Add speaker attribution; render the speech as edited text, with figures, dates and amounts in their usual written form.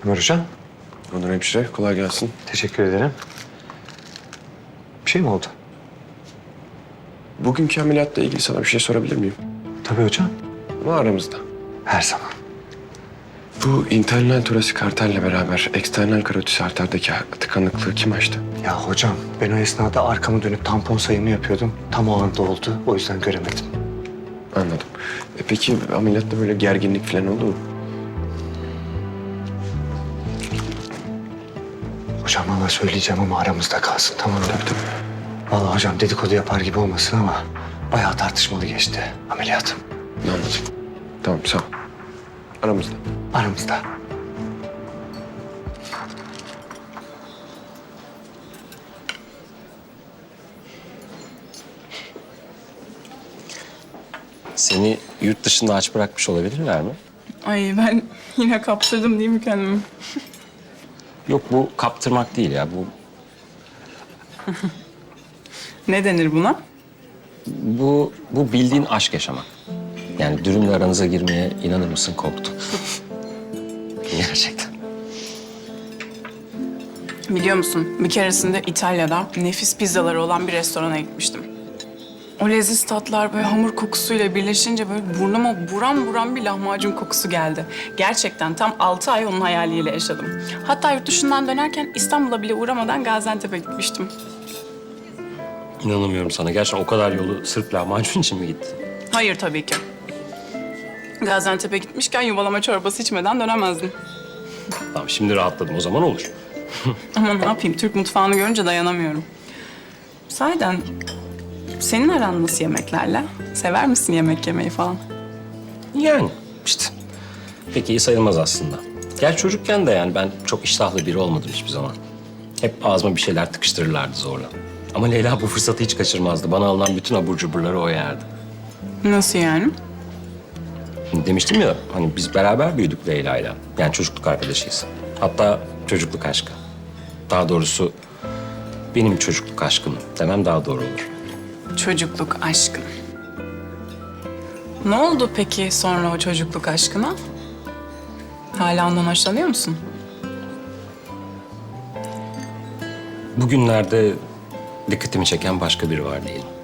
Speaker 1: Ömer Hocam.
Speaker 2: Onur hemşire, kolay gelsin.
Speaker 1: Teşekkür ederim. Bir şey mi oldu?
Speaker 2: Bugünkü ameliyatla ilgili sana bir şey sorabilir miyim?
Speaker 1: Tabii hocam.
Speaker 2: Ama aramızda.
Speaker 1: Her zaman.
Speaker 2: Bu internal torasik arterle beraber eksternal karotis arterdeki tıkanıklığı kim açtı?
Speaker 1: Ya hocam ben o esnada arkamı dönüp tampon sayımı yapıyordum. Tam o anda oldu. O yüzden göremedim.
Speaker 2: Anladım. Peki ameliyatta böyle gerginlik falan oldu mu?
Speaker 1: Hocam valla söyleyeceğim ama aramızda kalsın, tamam mı?
Speaker 2: Tabii.
Speaker 1: Valla hocam dedikodu yapar gibi olmasın ama bayağı tartışmalı geçti ameliyat.
Speaker 2: Anladım. Tamam, sağ ol. Aramızda.
Speaker 1: Aramızda.
Speaker 3: Seni yurt dışında aç bırakmış olabilirler mi?
Speaker 4: Ay ben yine kaptırdım değil mi kendimi?
Speaker 3: Yok, bu kaptırmak değil ya.
Speaker 4: Ne denir buna?
Speaker 3: Bu bildiğin aşk yaşamak. Yani dürümle aranıza girmeye inanır mısın, korktum. Gerçekten.
Speaker 4: Biliyor musun bir keresinde İtalya'da nefis pizzaları olan bir restorana gitmiştim. O leziz tatlar böyle hamur kokusuyla birleşince böyle burnuma buram buram bir lahmacun kokusu geldi. Gerçekten tam 6 ay onun hayaliyle yaşadım. Hatta yurt dışından dönerken İstanbul'a bile uğramadan Gaziantep'e gitmiştim.
Speaker 3: İnanamıyorum sana. Gerçekten o kadar yolu sırf lahmacun için mi gittin?
Speaker 4: Hayır tabii ki. Gaziantep'e gitmişken yuvalama çorbası içmeden dönemezdim.
Speaker 3: Tamam, şimdi rahatladım. O zaman olur.
Speaker 4: Ama ne yapayım, Türk mutfağını görünce dayanamıyorum. Sahiden senin aran nasıl yemeklerle? Sever misin yemek yemeyi falan?
Speaker 3: Yani işte pek iyi sayılmaz aslında. Gerçi çocukken de yani ben çok iştahlı biri olmadım hiçbir zaman. Hep ağzıma bir şeyler tıkıştırırlardı zorla. Ama Leyla bu fırsatı hiç kaçırmazdı. Bana alınan bütün abur cuburları o yerdi.
Speaker 4: Nasıl yani?
Speaker 3: Demiştim ya, hani biz beraber büyüdük Leyla'yla. Yani çocukluk arkadaşıyız. Hatta çocukluk aşkı. Daha doğrusu benim çocukluk aşkım demem daha doğru olur.
Speaker 4: Çocukluk aşkın. Ne oldu peki sonra o çocukluk aşkına? Hala ondan hoşlanıyor musun?
Speaker 3: Bugünlerde dikkatimi çeken başka biri var diyelim.